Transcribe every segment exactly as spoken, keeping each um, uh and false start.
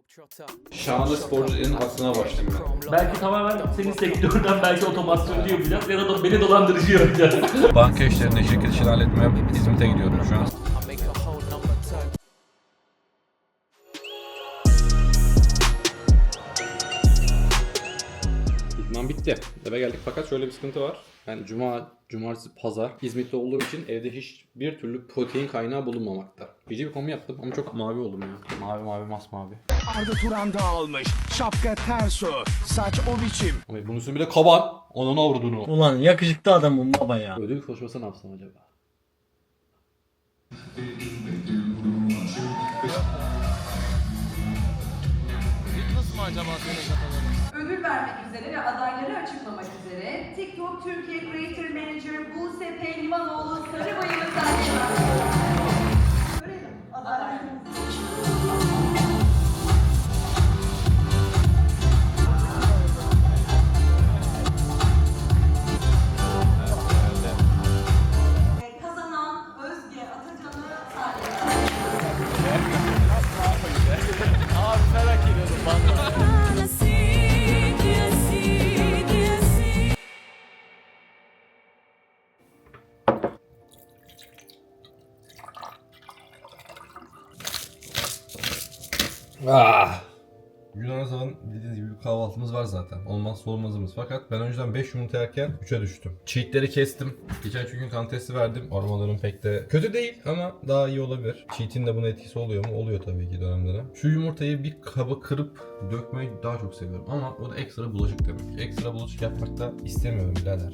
Şahane sporcuların aklına başlayayım ben. Belki tamamen senin sektörden belki otomasyoncu yapacağız ya da beni dolandırıcı yapacağız. Banka işlerini, şirket işini halletmeye İzmit'e gidiyorum şu an. İdman bitti. Eve geldik fakat şöyle bir sıkıntı var. Yani cuma, cumartesi, pazar İzmit'te olduğum için evde hiçbir türlü protein kaynağı bulunmamakta. Gece bir kombi yaptım ama çok mavi oldum ya. Mavi mavi masmavi. Arda Turan dağılmış. Şapka ters o. Saç o biçim. Ama bunun üstüne bir de kaban. Onun avradunu. Ulan yakışıklı adamım baba ya. Ödül koşması ne yapsam acaba? Ödül vermek üzere ve adayları açıklamak üzere TikTok Türkiye Creator Manager Buse Pehlivanoğlu Sarıbayır'ı sahneye Görelim adaylarımızı. Kazanan Özge Atacan'ı sahneye Ah. Yunanistan bildiğiniz gibi bir kahvaltımız var zaten. Olmazsa olmazımız. Fakat ben önceden beş yumurta yerken üçe düştüm. Cheat'leri kestim. Geçen çünkü kan testi verdim. Aromalarım pek de kötü değil ama daha iyi olabilir. Cheat'in de buna etkisi oluyor mu? Oluyor tabii ki dönem dönem. Şu yumurtayı bir kaba kırıp dökmeyi daha çok seviyorum. Ama o da ekstra bulaşık demek. Ekstra bulaşık yapmak da istemiyorum birader.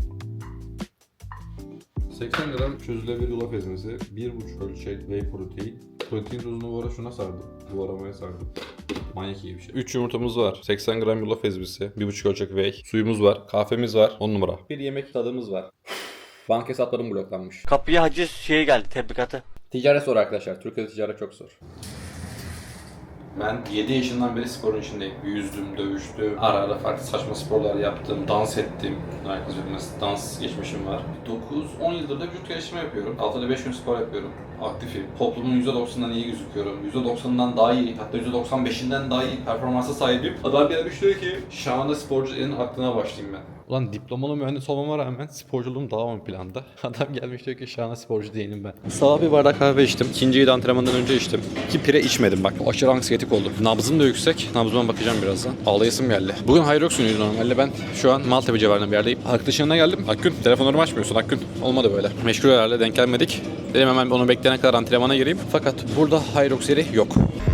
seksen gram çözülebilir yulaf ezmesi, bir buçuk ölçek whey protein. Protein tozunu bu ara şuna sardım. Bu aramaya sardım. Manyak iyi bir şey. üç yumurtamız var. seksen gram yulaf ezmesi, bir buçuk ölçek whey. Suyumuz var, kahvemiz var. on numara. Bir yemek tadımız var. Banka hesaplarım bloklanmış. Kapıya hacı şey geldi tebrikatı. Ticaret zor arkadaşlar. Türkiye'de ticaret çok zor. Ben yedi yaşından beri sporun içindeyim. Yüzdüm, dövüştüm, ara ara farklı saçma sporlar yaptım, dans ettim. Herkes bilmez, dans geçmişim var. dokuz on yıldır da vücut geliştirme yapıyorum. Haftada beş gün spor yapıyorum. Aktifim. Toplumun yüzde doksanından iyi gözüküyorum. yüzde doksanından daha iyi, hatta yüzde doksan beşinden daha iyi performansa sahibim. Adam gelmiş diyor ki, şahane sporcuların aklına başlayayım ben. Ulan diplomalı mühendis olmama rağmen sporculuğum daha ön planda. Adam gelmiş diyor ki şahane sporcu değilim ben. Sabah bir bardak kahve içtim. İkinciyi de antrenmandan önce içtim. İki pire içmedim bak. Aşırı anksiyetik oldum. Nabzım da yüksek. Nabzıma bakacağım birazdan. Ağlayasım geldi. Bugün Hayrox günüydü normalde. Ben şu an Maltepe civarında bir yerdeyim. Arkadaşın yanına geldim. Akgün telefonlarımı açmıyorsun Akgün. Olmadı böyle. Meşgul herhalde denk gelmedik. Dedim hemen onu bekleyene kadar antrenmana gireyim. Fakat burada Hayrox yeri yok.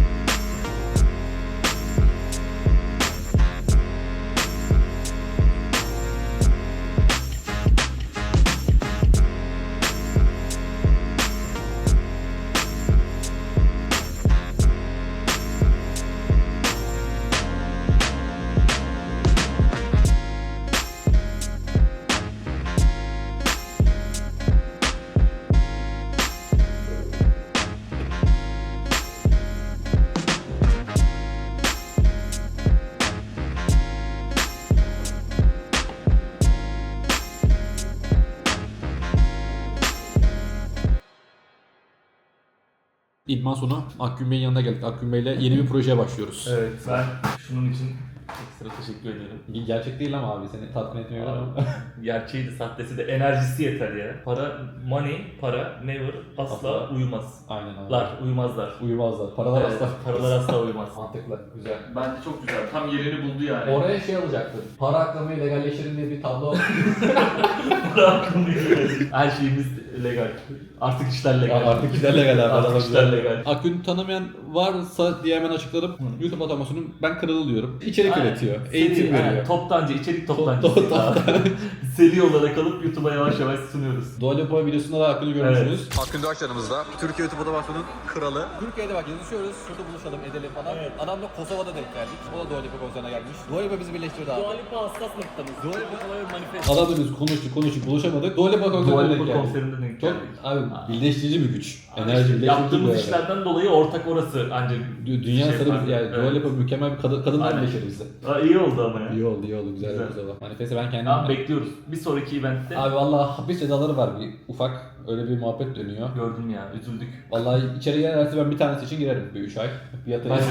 İdman sonu Akgün Bey'in yanına geldik. Akgün Bey'le yeni bir projeye başlıyoruz. Evet, ben şunun için ekstra teşekkür ederim. Gerçek değil ama abi seni tatmin etmiyor ama. Gerçeği de sahtesi de enerjisi yeter ya. Para, money, para, never, asla Asla. uyumaz. Aynen abi. Lar, uyumazlar. Uyumazlar. Paralar Evet, asla. paralar asla uymaz. Mantıklı. Güzel. Bence çok güzel. Tam yerini buldu yani. Oraya şey alacaktın. Para aklamayı legalleştirin diye bir tablo. Para hakkında değil. Her şeyimiz legal. Artık işler legal. Artık işler legal abi. Artık işler legal. Akgün tanımayan varsa diye hemen açıkladım. YouTube otomasyonun ben kralı diyorum. İçerik Aynen. üretiyor. Seri, Eğitim aynen. veriyor. Toptancı, içerik toptancısı. Top- top- Seri olarak alıp YouTube'a yavaş yavaş sunuyoruz. Dua Lipa videosunda da Akgün'ü görmüşsünüz. Evet. Akgün Doğaç yanımızda. Türkiye YouTube otomasyonun kralı. Türkiye'de bak yazışıyoruz. Şurada buluşalım edelim falan. Evet. Adamla Kosova'da denk geldik. O da Dua Lipa konserine gelmiş. Dua Lipa bizi birleştirdi abi. Dua Lipa hassas noktamız. Dua Lipa manifest. Adamla biz konuştuk konuştuk buluşamadık. Dua Lipa Dua konserine denk Lipa geldik. konserinde denk Çok geldik. abi birleştirici bir güç. Abi Enerji işte birleştirici yaptığımız bir işlerden dolayı ortak orası ancak. Dü- Dünya şey sarı var. bir yani Evet. Dua Lipa mükemmel bir kadın, kadınlar Aynen. birleşir bizde. Aa, iyi oldu ama ya. İyi oldu iyi oldu güzel Güzel. güzel. Manifeste ben kendim. Tamam bekliyoruz. Bir sonraki eventte. Abi vallahi hapis cezaları var bir ufak. Öyle bir muhabbet dönüyor. Gördüm ya, üzüldük. Vallahi içeri girerse ben bir tanesi için girerim bir üç ay. Fiyatı Ben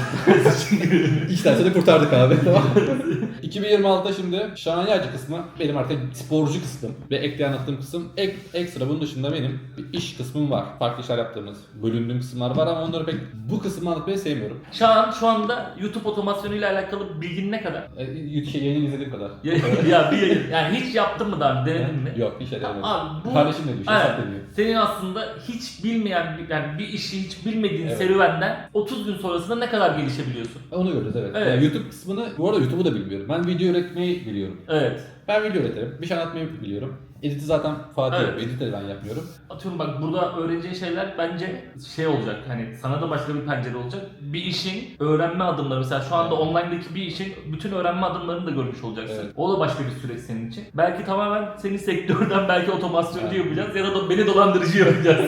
İki tanesini kurtardık abi. Tamam. iki bin yirmi altıda şimdi şahane kısmı benim artık sporcu kısmım ve ekleyen anlattığım kısım. Ek, ekstra bunun dışında benim bir iş kısmım var. Farklı işler yaptığımız, bölündüğüm kısımlar var ama onları pek bu kısmı anlatmayı sevmiyorum. Şu an şu anda YouTube otomasyonuyla alakalı bilgin ne kadar? E, şey, yayını izlediğim kadar. ya, ya bir yayın, yani hiç yaptın mı daha önce, denedin mi? Yok, bir şey denemedim. Abi bu Kardeşim ne diyor? Şey evet, sattı diyor. senin aslında hiç bilmeyen bir- yani bir işi hiç bilmediğin Evet. serüvenden otuz gün sonrasında ne kadar gelişebiliyorsun? Onu göreceğiz evet. Evet. Yani YouTube kısmını, bu arada YouTube'u da bilmiyorum. Ben video üretmeyi biliyorum. Evet. Ben video üretirim, bir şey anlatmayı biliyorum. Editi zaten Fatih Evet. yapıyor, editi de ben yapmıyorum. Atıyorum bak, burada öğreneceğin şeyler bence şey olacak, hani sana da başka bir pencere olacak. Bir işin öğrenme adımları, mesela şu anda Evet. online'daki bir işin bütün öğrenme adımlarını da görmüş olacaksın. Evet. O da başka bir süreç senin için. Belki tamamen senin sektörden belki otomasyoncu Evet. yapacağız ya da beni dolandırıcı yapacağız.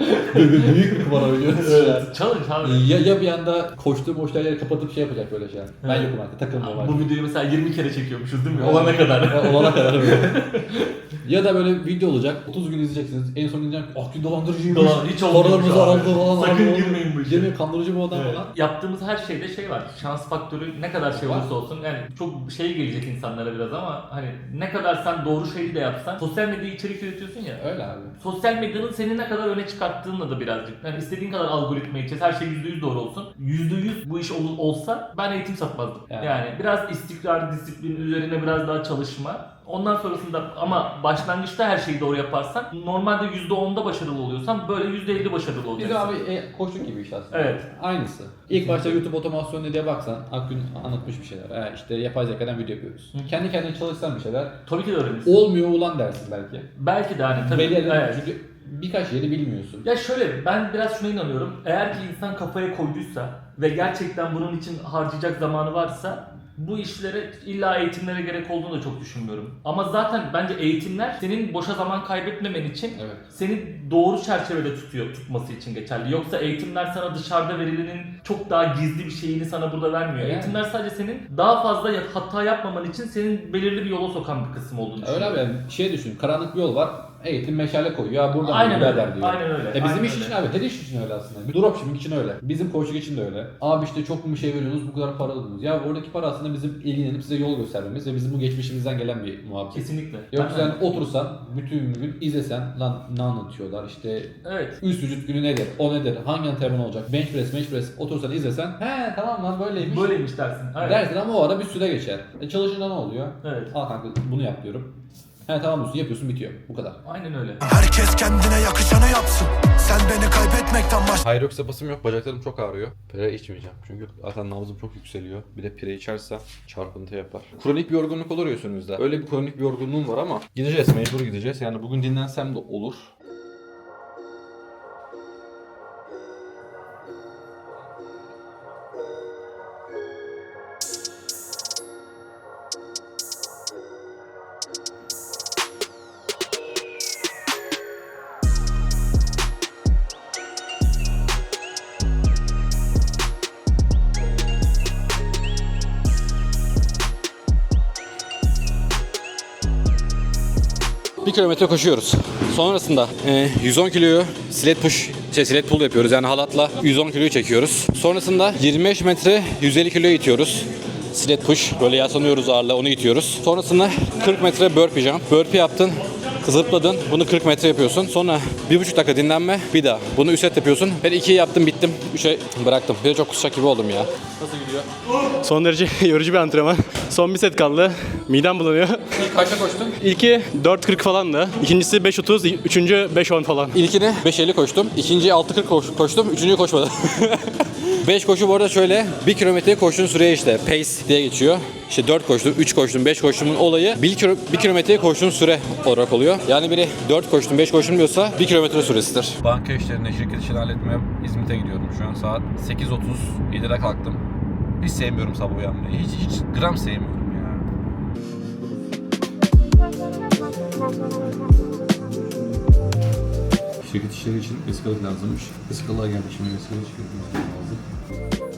Büyük bir kumar oynuyoruz şu an. Evet. Challenge abi. Ya, ya bir anda koştuğum boşluğa yeri kapatıp şey yapacak böyle şey. Ben Evet. yokum artık, takılmam artık. Bu videoyu mesela yirmi kere çekiyormuşuz değil mi? Evet. Olana kadar. Ya, olana kadar böyle. Ya da böyle video olacak, otuz gün izleyeceksiniz. En son diyeceğim ki Akgün dolandırıcıymış. Dolan- hiç olmuyormuş Paralarımızı abi. aldı falan. Sakın aldı. girmeyin bu işe. Girmeyin, kandırıcı bu adam Evet. falan. Yaptığımız her şeyde şey var. Şans faktörü ne kadar şey Var. olursa olsun, yani çok şey gelecek insanlara biraz ama hani ne kadar sen doğru şeyi de yapsan, sosyal medya içerik üretiyorsun ya. Öyle abi. Sosyal medyanın seni ne kadar öne çıkarttığınla da birazcık. Yani istediğin kadar algoritma içeceğiz, her şey yüzde yüz doğru olsun. yüzde yüz bu iş ol- olsa ben eğitim satmazdım. Yani. Yani. biraz istikrar, disiplin üzerine biraz daha çalışma. Ondan sonrasında ama başlangıçta her şeyi doğru yaparsan, normalde yüzde onda başarılı oluyorsan böyle yüzde elli başarılı olacaksın. Biz abi e, koçluk gibi iş aslında. Evet. Aynısı. İlk başta YouTube otomasyonu diye baksan Akgün anlatmış bir şeyler. Ha, işte yapay zekadan video yapıyoruz. Hı. Kendi kendine çalışsan bir şeyler. Tabii ki de öğrenirsin. Olmuyor ulan dersin belki. Belki de hani tabii. Belli yerleri- Evet. çünkü birkaç yeri bilmiyorsun. Ya şöyle, ben biraz şuna inanıyorum. Eğer ki insan kafaya koyduysa ve gerçekten bunun için harcayacak zamanı varsa, bu işlere illa eğitimlere gerek olduğunu da çok düşünmüyorum. Ama zaten bence eğitimler senin boşa zaman kaybetmemen için, Evet. seni doğru çerçevede tutuyor, tutması için geçerli. Yoksa eğitimler sana dışarıda verilenin çok daha gizli bir şeyini sana burada vermiyor. Yani. Eğitimler sadece senin daha fazla ya- hata yapmaman için senin belirli bir yola sokan bir kısım olduğunu Öyle düşünüyorum. abi, yani şey düşün, karanlık bir yol var. Eğitim meşale koyuyor. Ya buradan Aynen birader öyle, diyor. aynen öyle, Ya bizim aynen iş öyle. için abi, her iş için öyle aslında. Bir dropshipping için öyle. Bizim koçluk için de öyle. Abi işte çok mu bir şey veriyorsunuz, bu kadar para alıyorsunuz. Ya oradaki para aslında bizim ilgilenip size yol göstermemiz ve bizim bu geçmişimizden gelen bir muhabbet. Kesinlikle. Yoksa Ben- sen otursan bütün gün izlesen lan ne anlatıyorlar işte Evet. üst vücut günü nedir, o nedir, hangi antrenman olacak, bench press, bench press otursan izlesen he tamam lan böyleymiş Böyleymiş dersin. Evet. dersin ama o ara bir süre geçer. E çalışınca ne oluyor? Evet. Al kanka bunu yap diyorum. He tamam diyorsun, yapıyorsun, bitiyor. Bu kadar. Aynen öyle. Herkes kendine yakışanı yapsın. Sen beni kaybetmekten baş... Hayır yoksa basım yok. Bacaklarım çok ağrıyor. Pire içmeyeceğim. Çünkü zaten nabzım çok yükseliyor. Bir de pire içersem çarpıntı yapar. Kronik bir yorgunluk olur ya üstünüzde. Öyle bir kronik bir yorgunluğum var ama gideceğiz, mecbur gideceğiz. Yani bugün dinlensem de olur. Bir kilometre koşuyoruz. Sonrasında e, yüz on kiloyu sled push, şey sled pull yapıyoruz. Yani halatla yüz on kiloyu çekiyoruz. Sonrasında yirmi beş metre yüz elli kiloyu itiyoruz. Sled push. Böyle yaslanıyoruz ağırla, onu itiyoruz. Sonrasında kırk metre burpee jump. Burpee yaptın. Zıpladın. Bunu kırk metre yapıyorsun. Sonra bir buçuk dakika dinlenme. Bir daha. Bunu üç set yapıyorsun. Ben ikiyi yaptım, bittim. üçe bıraktım. Bir de çok kusacak gibi oldum ya. Nasıl gidiyor? Son derece yorucu bir antrenman. Son bir set kaldı. Midem bulanıyor. İlk kaçta koştun? İlki dört kırk falandı. İkincisi beş otuz, üçüncü beş on falan. İlkini beş elli koştum. İkinciyi altı kırk koş- koştum. Üçüncüyü koşmadım. beş koşu bu arada şöyle. bir kilometreye koştuğun süreye işte pace diye geçiyor. İşte dört koştum, üç koştum, beş koştumun olayı bir kilometreye koştuğun süre olarak oluyor. Yani biri dört koştum, beş koştum diyorsa bir kilometre süresidir. Banka işlerini, şirket işini halletmeye İzmit'e gidiyorum şu an. Saat sekiz otuz, yedide kalktım. Hiç sevmiyorum sabah uyanmayı. Hiç, hiç gram sevmiyorum ya. Şirket işleri için vesikalık lazımmış. Vesikalığa geldik, şimdi vesikalık çıkartmamız lazım.